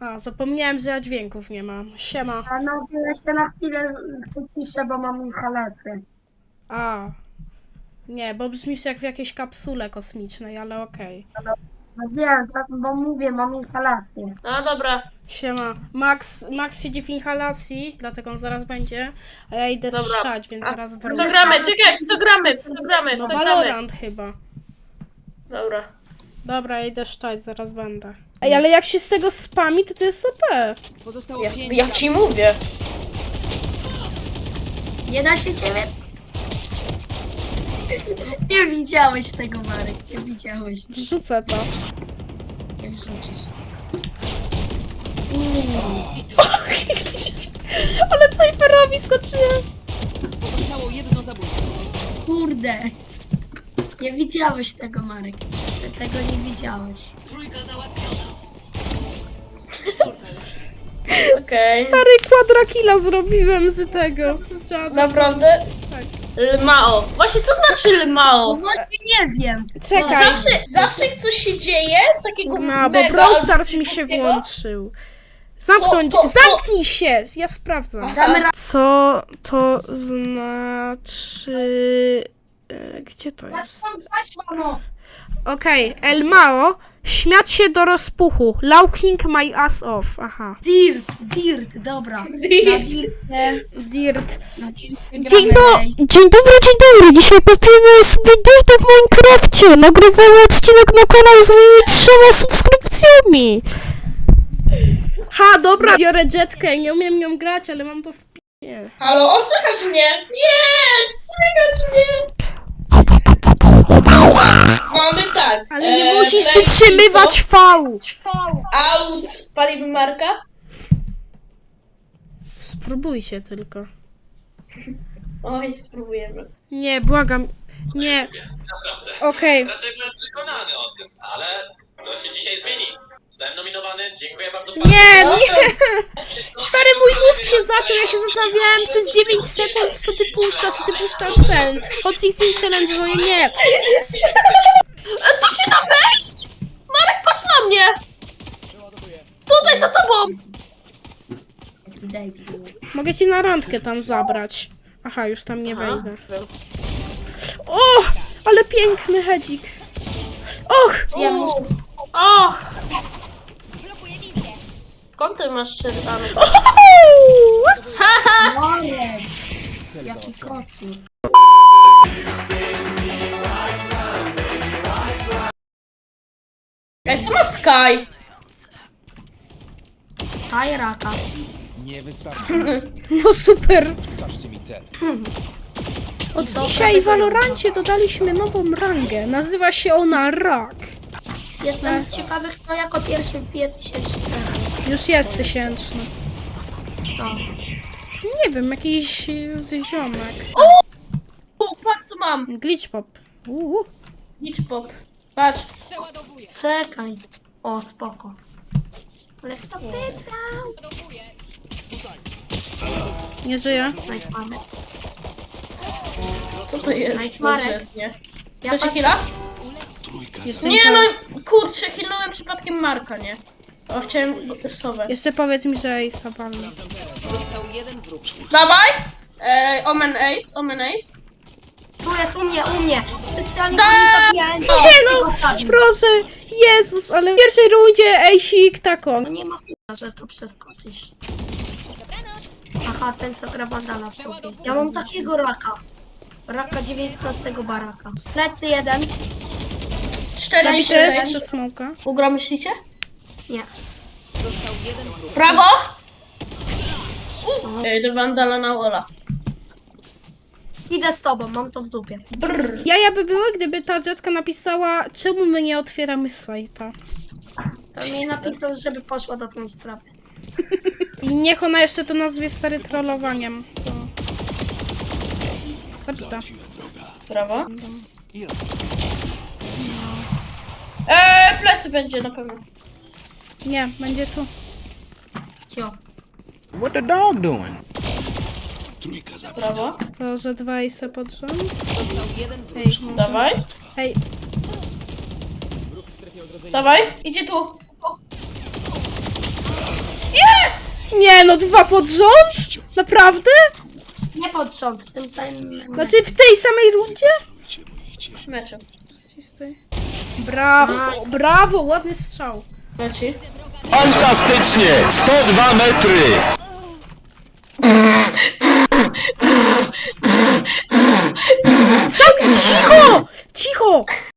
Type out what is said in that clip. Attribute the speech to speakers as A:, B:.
A: A, zapomniałem, że ja dźwięków nie mam. Siema.
B: A no, jeszcze na chwilę wyciszę, bo mam inhalecję.
A: A. Nie, bo brzmisz jak w jakiejś kapsule kosmicznej, ale okej.
B: No wiem, tak, bo mówię, mam inhalację.
C: No dobra,
A: Siema. Max siedzi w inhalacji, dlatego on zaraz będzie. A ja idę
C: Dobra.
A: strzać, więc zaraz
C: w
A: wrócę.
C: co gramy? Czekaj, w co gramy? W co gramy? W
A: No
C: co gramy?
A: Valorant chyba.
C: Dobra.
A: Dobra, ja idę szczać, zaraz będę. Ej, ale jak się z tego spami, to jest OP.
D: Pozostało
C: Ja,
D: 5
C: ja ci mówię.
B: Nie da się ciebie? Nie widziałeś tego, Marek, nie widziałeś.
A: Wrzucę to.
B: Nie wrzucisz.
A: Ale Cypherowi skoczyłem.
D: Pozostało jedno zabójstwo.
B: Kurde. Nie widziałeś tego, Marek. Ty tego nie widziałeś.
D: Trójka załatwiona.
C: Okej.
A: Stary quadrakilla zrobiłem z tego. Z czatu.
C: Naprawdę?
A: Tak.
C: Lmao. Właśnie co znaczy
B: No
C: Lmao?
B: właśnie nie wiem.
A: Czekaj.
C: Zawsze jak coś się dzieje, takiego
A: No, bo
C: mega
A: Brawl Stars mi się
C: szybkiego,
A: włączył. Zamknąć,
C: To-
A: zamknij się! Ja sprawdzam.
C: Aha.
A: Co to znaczy... Gdzie to jest? Okej, Elmao. Śmiać się do rozpuchu. Laughing my ass off. Aha.
B: Dirt, dobra. Na
C: Dirt.
B: Dircie,
A: Dirt.
B: na Dircie
A: Dzień
B: gramy Race.
A: dobry. Dzisiaj popijemy sobie Dirta w Minecrafcie. Nagrywamy odcinek na kanał z moimi 3 subskrypcjami. Ha, dobra, biorę jetkę. Nie umiem nią grać, ale mam to w p***ie.
C: Halo, osłychasz mnie? Nie, słychać mnie. Mamy tak.
A: Ale nie musisz
C: Frank
A: przytrzymywać V.
C: Out. Palimy Marka?
A: Spróbujcie tylko.
C: Oj, spróbujemy.
A: Nie, błagam. Nie. Okej.
E: Raczej byłem przekonany o tym, ale to się dzisiaj zmieni. Zostałem nominowany, dziękuję bardzo panu.
A: Nie. Stary, mój mózg się zaciął. Ja się zastanawiałem przez 9 sekund, co ty puszczasz ten. Hot 16 Challenge, bo nie.
C: To się da wejść! Marek, patrz na mnie! Tutaj za tobą!
A: Mogę cię na randkę tam zabrać. Aha, już tam nie wejdę. O, ale piękny hedzik. Och!
C: Och! Skąd ty masz czerwony?
B: Marek. Jaki kocur.
C: Ej, co ma Sky?
B: Tajraka.
D: Nie wystarczy.
A: No super.
D: Wskażcie mi cel.
A: Od dzisiaj w Valorancie dodaliśmy nową rangę. Nazywa się ona Rak.
B: Jestem ciekawy, kto jako pierwszy wbije 1000 teraz.
A: Już jest 1000.
B: To.
A: Nie wiem, jakiś ziomek.
C: Patrz co mam.
A: Glitch pop.
C: Glitch pop. Patrz.
B: Czekaj. O, spoko. Ale kto pytał?
A: Nie żyje.
B: Nice, Marek.
C: Co to jest?
B: Nice, Marek.
C: Nie.
B: Ja
C: Chcecie
B: patrzę-
C: chwila?
A: Jestem
C: Nie
A: po-
C: no, kurczę, hilnąłem przypadkiem Marka, nie? O, chciałem sowę.
A: Jeszcze powiedz mi, że Ace'a palnę.
D: Został jeden wróg.
C: Dawaj! Omen Ace.
B: Tu jest u mnie. Specjalnie
C: Da!
B: go nie zabijałem.
A: Nie no, proszę. Jezus, ale w pierwszej rundzie Ace'ik taką.
B: No nie ma chuja, że to przeskoczysz. Aha, ten co gra Vandala w tobie. Ja mam takiego raka. Raka 19 baraka. Plecy jeden.
C: 4
A: Zabity przez smoka.
C: Ugra myślicie?
B: Nie.
D: Został jeden wróg.
C: Prawo! Do Vandala na Ola.
B: Idę z tobą, mam to w dupie.
C: Brrr.
A: Jaja by były, gdyby ta jetka napisała, czemu my nie otwieramy sajta.
B: To mi napisał, żeby poszła do tej sprawy.
A: I niech ona jeszcze to nazwie stary trollowaniem. To... Zabita.
C: Prawo. Plecy będzie na pewno.
A: Nie, będzie tu.
B: Cio.
F: What the dog doing?
C: Prawo.
A: To, że 2 Ace pod rząd.
D: Został jeden wróg.
A: Ej, może...
C: Dawaj.
A: Ej,
C: Dawaj. Idzie tu.
A: Nie no, 2 pod rząd? Naprawdę?
B: Nie pod rząd, w tym samym...
A: Znaczy w tej samej rundzie?
C: Meczu.
A: Brawo, brawo, ładny strzał.
C: Leci.
G: Fantastycznie! 102 metry!
A: Co? Cicho! Cicho!